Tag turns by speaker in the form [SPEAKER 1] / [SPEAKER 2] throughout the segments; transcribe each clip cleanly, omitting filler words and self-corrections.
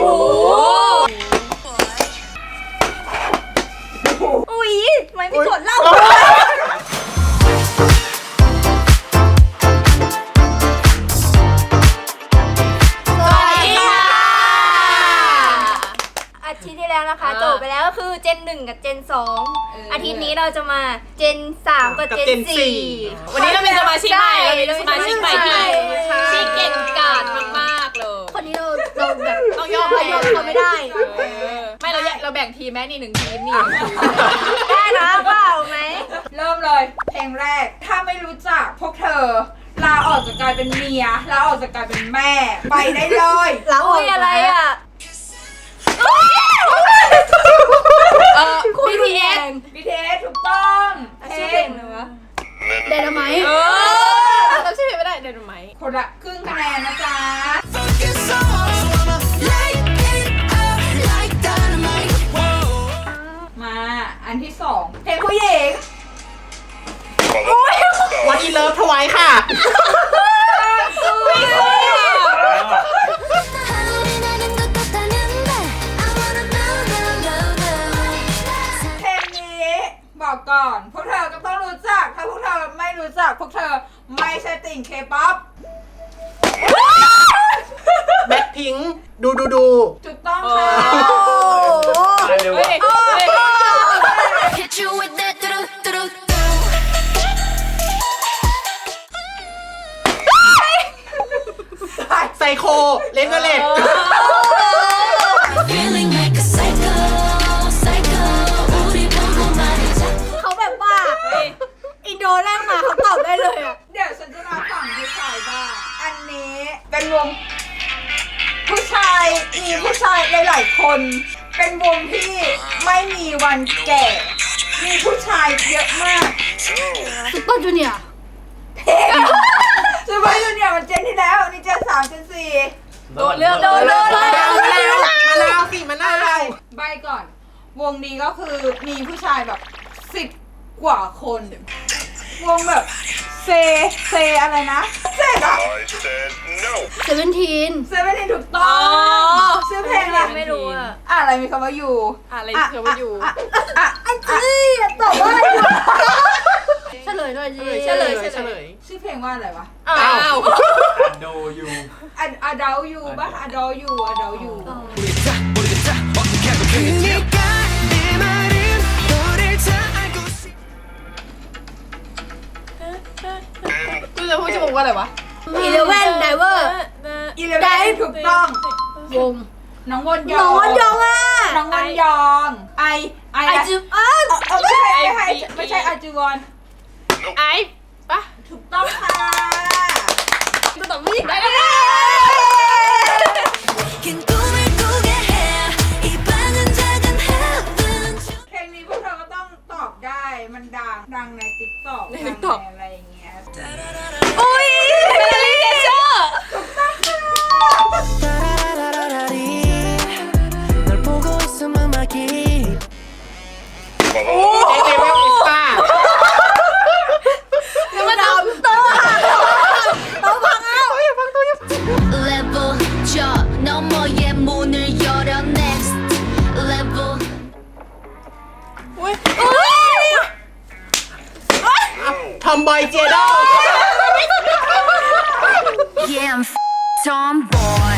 [SPEAKER 1] อุ้ยไม่มีกดเล่าอาทิตย์ที่แล้วนะคะจบไปแล้วก็คือเจน1กับเจน2อาทิตย์นี้เราจะมาเจน3กับเจน4
[SPEAKER 2] วันนี้เราเป็นสมาชิกใหม่ที่เก่งกาจมากๆเลย
[SPEAKER 1] คนนี้เราแบบ
[SPEAKER 2] ต้องยอม
[SPEAKER 1] เขาไม่ได้
[SPEAKER 2] ไม่เราแบ่งทีมแม่นี่1ทีมนี่
[SPEAKER 1] ได้นะเปล่าไหม
[SPEAKER 3] เริ่มเลยเพลงแรกถ้าไม่รู้จักพวกเธอลาออกจากการเป็นเมียลาออกจากการเป็นแม่ไปได้เลย
[SPEAKER 1] ลาออกอะไรอ่ะ
[SPEAKER 3] BTS ถูกต้อง
[SPEAKER 1] ชื่อเพลงอะไรวะเดนไมท์
[SPEAKER 2] เราชื่อเพลงไม่ได้เดนไมท์
[SPEAKER 3] คนละครึ่งคะแนนนะจ๊ะมาอันที่2เพลงผู้หญิง
[SPEAKER 2] วันอีเลิฟถวายค่ะ
[SPEAKER 3] บอกก่อนพวกเธอก็ต้องรู้จักถ้าพวกเธอไม่รู้จักพวกเธอไม่ใช่ติ่งเคป๊อป
[SPEAKER 4] แบ็คพิงค์ดู
[SPEAKER 3] ถูกต้องค่ะ
[SPEAKER 4] ไซโคเลนเวเลต
[SPEAKER 1] เขาแบบว่าอินโดแรกมาเขาตอบได้เลยอ่ะ
[SPEAKER 3] เดี๋ยวฉันจะมาฝั่งผู้ชายบ้างอันนี้เป็นวงผู้ชายมีผู้ชายหลายๆคนเป็นวงที่ไม่มีวันแก่มีผู้ชายเยอะมาก
[SPEAKER 1] ซุปเปอร์จูเนียร์
[SPEAKER 3] ซูเปอร์จูเนียร์มันเจนที่แล้วนี่เจน3เจน4
[SPEAKER 2] โดนเรื่องมะนาว
[SPEAKER 3] ใบก่อนวงนี้ก็คือมีผู้ชายแบบ10 กว่าคนวงแบบเซอะไรนะเซอะ
[SPEAKER 1] 17
[SPEAKER 3] ถูกต้องชื่อเพลงอะไร
[SPEAKER 1] ไม่รู้อ่ะ
[SPEAKER 3] อะไรมีคำว่าอยู่
[SPEAKER 2] อะไรมีคำว่าอยู่
[SPEAKER 3] ตอบว่าอะไร
[SPEAKER 1] เฉลยหน่อยสิ
[SPEAKER 2] เฉลย
[SPEAKER 3] ชื่อเพลงว่าอะไรวะ
[SPEAKER 2] อ้าว
[SPEAKER 4] Adore You
[SPEAKER 3] Adore You ป่ะ Adore You
[SPEAKER 2] กูจะพูดชื่อวงว่าอะไรวะ
[SPEAKER 1] 11 Diver
[SPEAKER 3] 11ถูกต้อง
[SPEAKER 1] วง
[SPEAKER 3] น้องวนยอง
[SPEAKER 1] อ่ะ
[SPEAKER 3] น้องวนยองไอ
[SPEAKER 1] จู
[SPEAKER 3] ไม่ใช่อาจูวอน
[SPEAKER 2] ไอปะ
[SPEAKER 3] ถูกต้องค่ะ
[SPEAKER 2] กูตอบไม่ได้แล้ว
[SPEAKER 3] เพลงนี้พวกเธอก็ต้องตอบได้มันดังใน TikTok อะไรอย่างเงี้ย
[SPEAKER 1] อุ้ย
[SPEAKER 2] เมลลี่เกเชอร์
[SPEAKER 3] ถูกต้องค่ะ
[SPEAKER 4] เจเวลอิสตา
[SPEAKER 1] แล้วมาดามโต๊ะพังเอา
[SPEAKER 5] Level 저 너머의 문을 열어 next level
[SPEAKER 4] ทอมบอยเจโด
[SPEAKER 5] Yeah I'm tomboy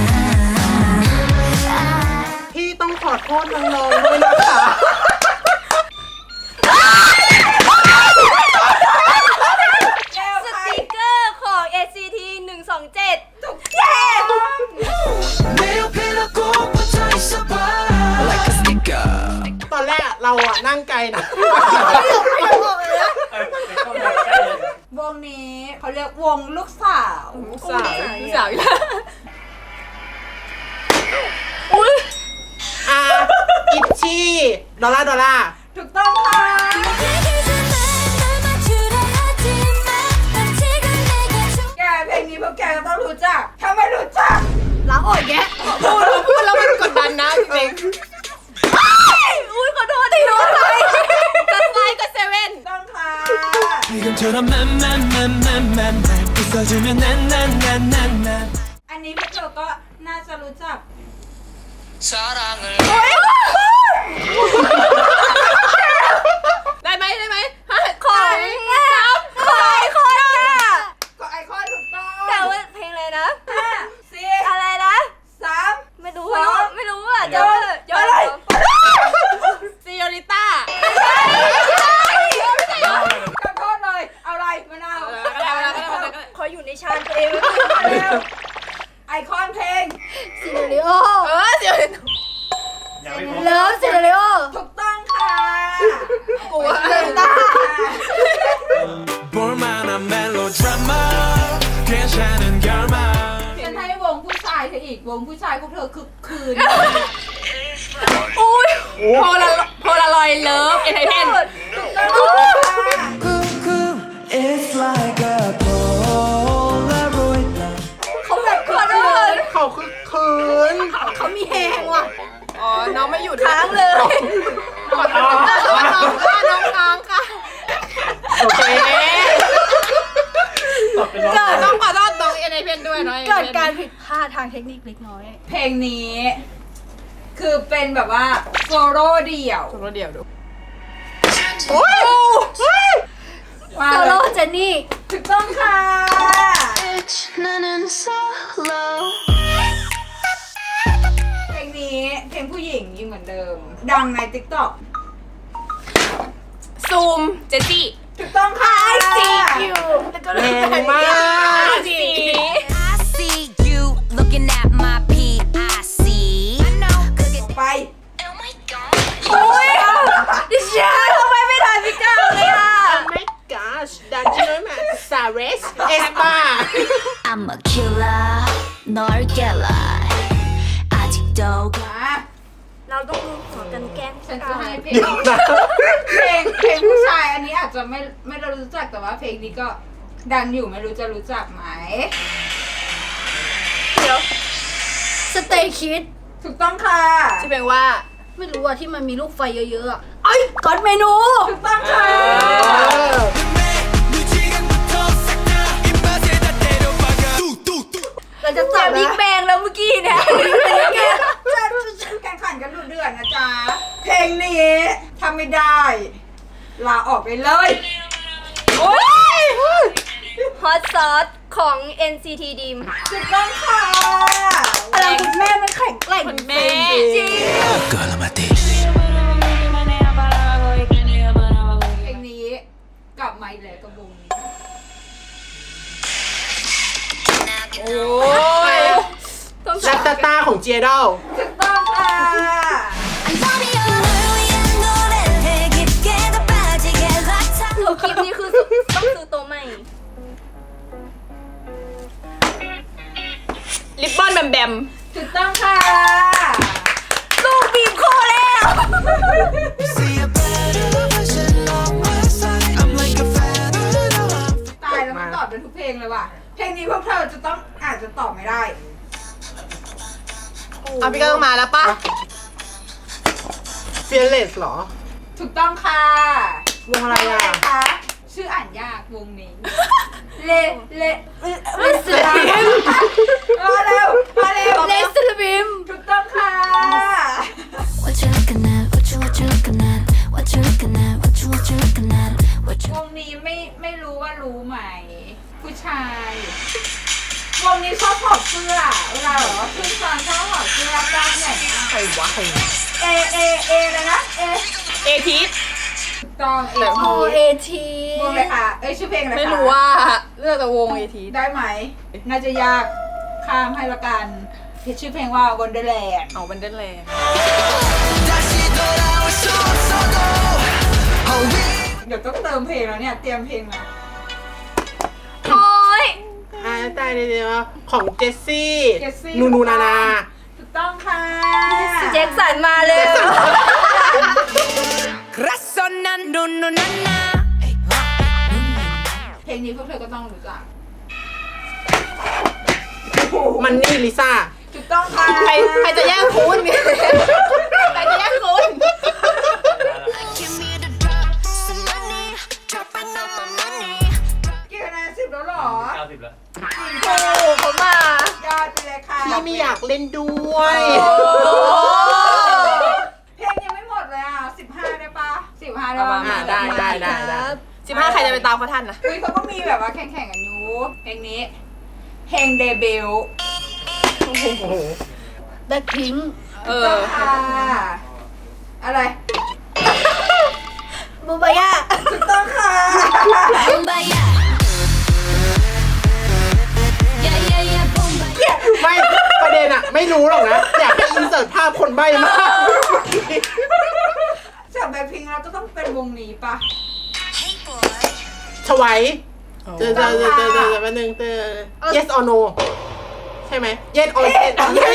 [SPEAKER 4] พี่ต้องขอโทษน้องๆด้วยนะคะ
[SPEAKER 1] สติกเกอร์ของ ACT 127
[SPEAKER 3] ถูกเย้
[SPEAKER 4] ตอนแรกเราอะนั่งไกลนะ
[SPEAKER 3] วงนี้เขาเรียกวงลูกสาว
[SPEAKER 2] อีกแล้ว
[SPEAKER 4] อิชชี่ดอลลาร์
[SPEAKER 3] ถูกต้องค่ะแกเพลงนี้พวกแกก็ต้องรู้จักถ้าไม่รู้จัก
[SPEAKER 1] ล้างออกแยะ
[SPEAKER 2] พูดแล้วมันกดดันนะจริง
[SPEAKER 1] อุ้ยขอโทษที่รู้ไป
[SPEAKER 2] กับไฟกับเซเว่น
[SPEAKER 3] ต้องค่ะ
[SPEAKER 4] ๆ
[SPEAKER 3] อันนี้พวกเธอก็น่าจะรู้จัก
[SPEAKER 2] ได้ไหมได้ไหม
[SPEAKER 1] ของไอคอนอะ
[SPEAKER 3] ก็ไอคอนถูกต้อง
[SPEAKER 1] แต่ว่าเพลงอะไรนะ
[SPEAKER 3] 5 4
[SPEAKER 1] อะไรนะ
[SPEAKER 3] 3
[SPEAKER 1] ไม่รู้อ่ะเดี๋ยวย้อน
[SPEAKER 2] ซีโอริต้า
[SPEAKER 3] ขอโทษเลยเอาอะไรมะนาว
[SPEAKER 1] ขออยู่ในชานตัวเอง
[SPEAKER 3] เร็วไอคอนเพลง
[SPEAKER 1] ซินเดอเรโอ
[SPEAKER 2] เดี๋ยว
[SPEAKER 6] ยังไม่ครบ
[SPEAKER 1] เลิฟซินเดอเรโอ
[SPEAKER 3] ถูกต้องค่ะ
[SPEAKER 2] กลัว
[SPEAKER 7] 볼만한 멜로드라마 괜찮은 결말
[SPEAKER 3] ฉันให้วงผู้ชายเธออีกวงผู้ชายพวกเธอคึกคืน
[SPEAKER 2] อุ้ยโพลารอยเลิฟเอนเตอร์เทน
[SPEAKER 7] It's like a Polaroid
[SPEAKER 1] เขาแบบขอโทษ
[SPEAKER 4] เขาคือคืน
[SPEAKER 1] เขามีแหงว่ะ
[SPEAKER 2] อ๋อ น้องไม่อยู่
[SPEAKER 1] ค้างเลย
[SPEAKER 2] ขอโทษน้องค้างค่ะ
[SPEAKER 4] โอเค
[SPEAKER 6] ตอบเป็นร้อง
[SPEAKER 2] ต้องขอโทษน้องเอนเตอร์เทนด้วยน้อง
[SPEAKER 1] เกิดการผิดพลาดทางเทคนิคเล็กน้อย
[SPEAKER 3] เพลงนี้ คือเป็นแบบว่าโซโล่เดี่ยว
[SPEAKER 2] รถเดียวดู
[SPEAKER 3] มา
[SPEAKER 1] โซ
[SPEAKER 3] เล
[SPEAKER 1] โล่
[SPEAKER 3] ย
[SPEAKER 1] เจนนี่
[SPEAKER 3] ถูกต้องค่ะ
[SPEAKER 5] Bitch 나는 solo
[SPEAKER 3] เพลงนี้เพลงผู้หญิงยังเหมือนเดิม ดังใน TikTok
[SPEAKER 2] ซูม เจสซี่
[SPEAKER 3] ถูกต้องค่ะ
[SPEAKER 1] แล้วก็
[SPEAKER 4] แรงมาก
[SPEAKER 2] สี
[SPEAKER 5] I see you looking at my PIC I know 그게
[SPEAKER 3] ไป
[SPEAKER 5] Oh my god
[SPEAKER 1] โอ้ยดิฉันทำไมไม่ทันพี่ก้าวเลยอ่ะ
[SPEAKER 4] Oh my gosh ดันจิโนมาซาเรสเอสปา
[SPEAKER 5] I'm a killer 널 깨라 아직도
[SPEAKER 3] มา
[SPEAKER 1] เราต้องดูหัวกันแกล้ง
[SPEAKER 3] ฉันจะให้เพลงเพลงผู้ชายอันนี้อาจจะไม่ได้รู้จักแต่ว่าเพลงนี้ก็ดังอยู่ไม่รู้จะรู้จักไหม
[SPEAKER 1] เดี๋ยวสเตย์คิด
[SPEAKER 3] ถูกต้องค่ะ
[SPEAKER 2] ชื่อเพลงว่า
[SPEAKER 1] ไม่รู้อ่ะที่มันมีลูกไฟเยอะๆอ่ะไอ้ก๊อตเมนู
[SPEAKER 3] ถูกต้องค่ะ
[SPEAKER 1] เราจะจับบิ๊กแบงแล้วเมื่อกี้เนี่ย
[SPEAKER 3] แข่งขันกันดุเดือดนะจ๊ะ เพลงนี้ทำไม่ได้ ลาออกไปเลย
[SPEAKER 2] โอ้ย
[SPEAKER 1] ฮอตซอสของ NCT Dream
[SPEAKER 3] ถูกต้องค่ะ
[SPEAKER 1] อะไรคุณแม่มันแข็งแกร่ง
[SPEAKER 2] คุณแม่
[SPEAKER 1] จริง
[SPEAKER 3] เพลงนี้กลับมาอีกแล้วกับวงนี้
[SPEAKER 2] โอ้ย
[SPEAKER 1] ต้อง
[SPEAKER 4] ลัตตาของเจดอล
[SPEAKER 3] ถูกต้องค่ะ
[SPEAKER 5] I'm sorry 널 위한 노래를 해 깊게 더 빠지게 like
[SPEAKER 1] ถือคลิปนี้คือต้องซื้อตัวใหม่
[SPEAKER 2] ลิปบอนแบมแบม
[SPEAKER 3] ถูกต้องค่ะ
[SPEAKER 1] ลูกบีบคอแล้ว
[SPEAKER 3] ตายแล้วมันตอบได้ทุกเพลงเลยว่ะ เพลงนี้พวกเธอจะต้องอาจจะตอบไม่ได้
[SPEAKER 2] เอาพี่ก็ต้องมาแล้วป่ะ
[SPEAKER 4] เฟียเลสหรอ
[SPEAKER 3] ถูกต้องค่ะ
[SPEAKER 4] วงอะไรอ่ะ
[SPEAKER 3] คะ ชื่ออ่านยากวงนี้ เล
[SPEAKER 1] สลิม
[SPEAKER 3] มาเร็ว มาเร็ว
[SPEAKER 1] เลสลิม
[SPEAKER 3] ถูกต้องค่ะ
[SPEAKER 5] What you looking at what you looking at what you looking at what you looking at what you
[SPEAKER 3] วงนี้ไม่รู้ว่ารู้ไหม ผู้ชาย วงนี้ชอบถอดเสื้อ เวลาแบบว่าขึ้นฟังชอบถอดเสื้อกล้ามใหญ่มาก
[SPEAKER 4] ใครวะใคร
[SPEAKER 3] เอเลยนะ
[SPEAKER 2] เอทีส
[SPEAKER 3] ถูกต้อง
[SPEAKER 1] โอเอที
[SPEAKER 3] วงเลยค่ะ ชื่อเพลงอะไรคะ
[SPEAKER 2] ไม่รู้ว่าเลือกแต่วงเอทีส
[SPEAKER 3] ได้ไหม น่าจะยากข้ามให้ละกันชื่อเพลงว่า Wonderland
[SPEAKER 2] เอาบันเดนแลนด์
[SPEAKER 3] เดี๋ยวต้องเติมเพลงแล้วเนี่ย เตรียมเพลงมา
[SPEAKER 1] โอ้ย
[SPEAKER 4] ตายเลยว่าของเจสซี่
[SPEAKER 3] เจสซี่
[SPEAKER 4] นูนานา
[SPEAKER 3] ถูกต้องค่ะ
[SPEAKER 1] แจ็คสันมาเลย
[SPEAKER 3] เพลงนี้พวกเธอก็ต้องรู้จัก
[SPEAKER 4] มันนี่ลิซ่า
[SPEAKER 3] ถูกต้องค่ะ
[SPEAKER 2] ใครจะแย่งคุณใครจะแย่งคุณ
[SPEAKER 5] give me the drop some money dropping on my money
[SPEAKER 3] กี่คะแนน10แล้วเหรอ
[SPEAKER 6] 90 แล้ว
[SPEAKER 3] จริง
[SPEAKER 1] โอ้เขามา
[SPEAKER 3] ยอดไปเลยค่ะ
[SPEAKER 4] พี่ไม่อยากเล่นด้วย
[SPEAKER 3] โอ้ได้ปะ
[SPEAKER 4] ได้
[SPEAKER 2] 15 ใครจะไปตามเขาทันนะ
[SPEAKER 3] อุ้ยเขาก็มีแบบว่าแข่งกันอยู่เพลงนี้เพลงเดบิวต์
[SPEAKER 1] แบ็คพิงค์
[SPEAKER 3] ต้องค่ะอะไร
[SPEAKER 1] บูบายา
[SPEAKER 3] ถูกต้องค่ะ
[SPEAKER 5] Bombaya. Yeah, yeah, yeah, bombaya.
[SPEAKER 4] ไม่ประเด็นอะไม่รู้หรอกนะ อยากให้อินเสิร์ตภาพคนใบ้มาก
[SPEAKER 3] จากแบ็คพิงค์เราก็ต้องเป็นวงนี้ปะ
[SPEAKER 4] ชวัยแป๊บนึงyes or no ใช่ไหม yes or yes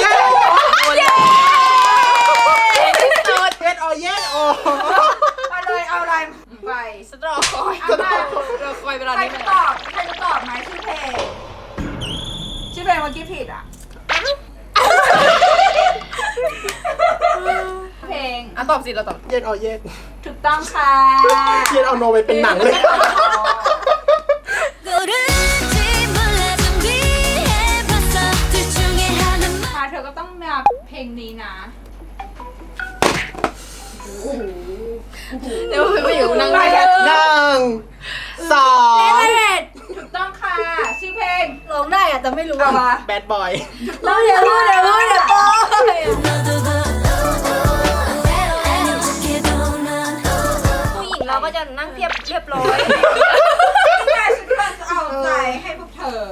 [SPEAKER 4] yes or yes or
[SPEAKER 3] มาเลยเอาอะไรไป
[SPEAKER 2] สตรอคอย
[SPEAKER 3] เอามา
[SPEAKER 2] เราคอยเวลา
[SPEAKER 3] ใคร
[SPEAKER 2] นี้
[SPEAKER 3] จะตอบไหมชื่อเพลงชื่อเพลงเมื่อกี้ผิดอ่ะเพลง
[SPEAKER 2] ตอบสิเราตอบ
[SPEAKER 4] yes or yes
[SPEAKER 3] ถูกต้องค่ะ
[SPEAKER 4] yes or no ไปเป็นหนังเลย
[SPEAKER 5] 고른지 몰라 준비해봤어 둘 중에 하나만
[SPEAKER 3] ค่ะเธอก็ต้องมาเพลงนี้นะ
[SPEAKER 2] เดี๋ยวไปอยู่นั่ง
[SPEAKER 3] ไป
[SPEAKER 2] ได้
[SPEAKER 3] กัน
[SPEAKER 4] 1 2
[SPEAKER 3] ถูกต้องค่ะชื่อเพลง
[SPEAKER 1] ร้องได้อะแต่ไม่รู้
[SPEAKER 3] เอา
[SPEAKER 1] อะ
[SPEAKER 3] มา
[SPEAKER 4] bad boy
[SPEAKER 1] เราเดี๋ยวรู้ปอ
[SPEAKER 5] 너도 아닌 척해도 넌
[SPEAKER 1] ผู้หญิงเราก็จะนั่งเรียบร้อย
[SPEAKER 3] นี่ไงฉันกำลังจะเอาใจให้พวกเธอ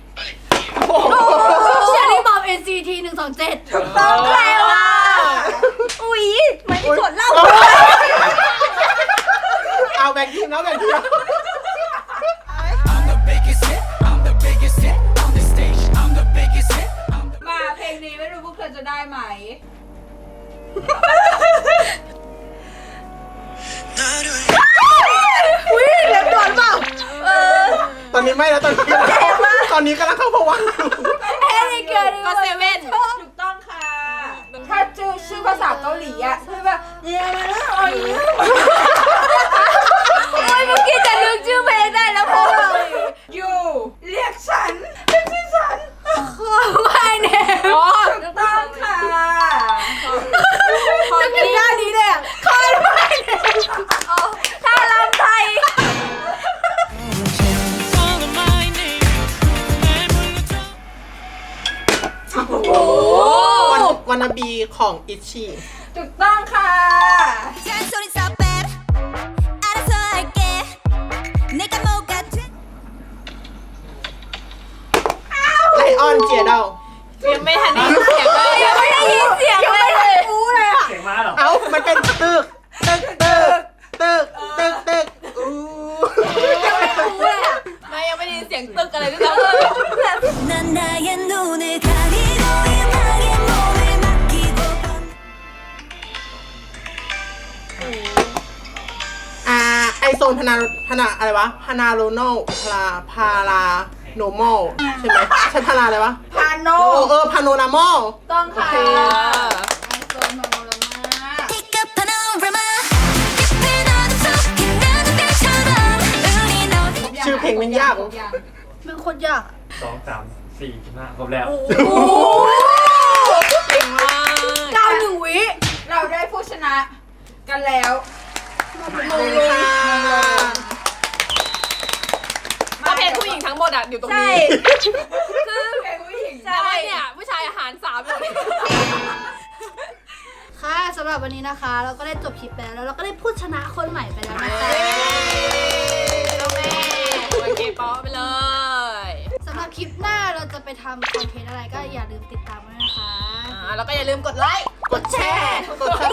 [SPEAKER 1] เชอรี่บอม NCT 127
[SPEAKER 3] ถูกต้องแล้ว
[SPEAKER 1] อุ๊ยมันกดเล่า
[SPEAKER 4] เอาแบ่งทีมแล้วแบ่งทีมแล้ว
[SPEAKER 7] I'm the biggest hit I'm the biggest hit on the stage I'm the biggest hit
[SPEAKER 3] มาเพลงนี้ไม่รู้พวกเธอจะได้ไหม
[SPEAKER 1] อุ๊ยเล็บก่อนเปล่า
[SPEAKER 4] ตอนนี้ไม่แล้วตอนนี้กำลังเข้าภวังค์อยู่
[SPEAKER 1] เฮ้ยเกิน
[SPEAKER 2] ก็เซเว่น
[SPEAKER 3] ถูกต้องค่ะ ถ้าชื่อภาษาเกาหลีอ่ะคือแบบเนี่ยมาแล้วอ๋อย
[SPEAKER 1] โอ้ยเมื่อกี้จะนึกชื่อเพลงได้แล้วพอ
[SPEAKER 3] อยู่เรียกฉันเป็นชื่อฉัน
[SPEAKER 1] ไม่เนี่ย
[SPEAKER 3] ถูกต้องค่ะ
[SPEAKER 1] จะเป็นหน้านี้เลยอ่ะคอยไม่เนี่ยถ้าลำไทย
[SPEAKER 4] วันนาบีของอิชชี
[SPEAKER 3] ถูกต้องค่ะ
[SPEAKER 5] 잔소리 stop it 알아서 할게 내가 뭐가 돼
[SPEAKER 4] ไลออนเจียเดา
[SPEAKER 2] ยังไม่ทันได้ยินเสียงเลย
[SPEAKER 1] ยังไม่ได้ยินเสียงเลยอู้เลยอ่ะ
[SPEAKER 6] เสียงม้าเหรอ
[SPEAKER 4] เอ้ามันเป็นตึกอู้
[SPEAKER 2] ไม่ยังไม่ได้ยินเสียงตึกอะไรด้วยซ้ำ
[SPEAKER 5] 난 나의 눈을 가리고 음악에 몸을 맡기고
[SPEAKER 4] ไอโซนพนาอะไรวะพานาโรโนพาราโนมอลใช่ไหมใช่พาราอะไรวะ
[SPEAKER 3] พาโน
[SPEAKER 4] พาโนนามอล
[SPEAKER 3] ต้องค่ะ
[SPEAKER 4] โอเค
[SPEAKER 3] ไอโซนโนโรมา
[SPEAKER 5] Pick up panorama 깊은 어둠 속에 나는 별처럼 우린 어디
[SPEAKER 4] ชื่อเพลงมันยาก
[SPEAKER 1] เป็นคนยาก
[SPEAKER 6] 2 3 4 5ครบแล้ว
[SPEAKER 2] เก่งมาก
[SPEAKER 1] 91 วิ
[SPEAKER 3] เราได้ผู้ชนะกันแล้ว
[SPEAKER 2] ประเภทผู้หญิงทั้งหมดอ่ะอยู่ตรง
[SPEAKER 1] ใช่
[SPEAKER 2] นี้
[SPEAKER 3] คือเพลงผู้หญิง
[SPEAKER 2] ใช่เนี่ยผู้ชายอาหาร3อยู่นี่
[SPEAKER 1] ค่ะสำหรับวันนี้นะคะ เราก็ได้จบคลิปไปแล้วเราก็ได้ผู้ชนะคนใหม่ไปแล้วนะคะ
[SPEAKER 2] โอเคโอเคป๊อไปเลย
[SPEAKER 1] สำหรับคลิปหน้าเราจะไปทำคอนเทนต์อะไรก็อย่าลืมติดตามด้วยนะคะ
[SPEAKER 2] แล้วก็อย่าลืมกดไลค์
[SPEAKER 4] กดแชร์ กดซับ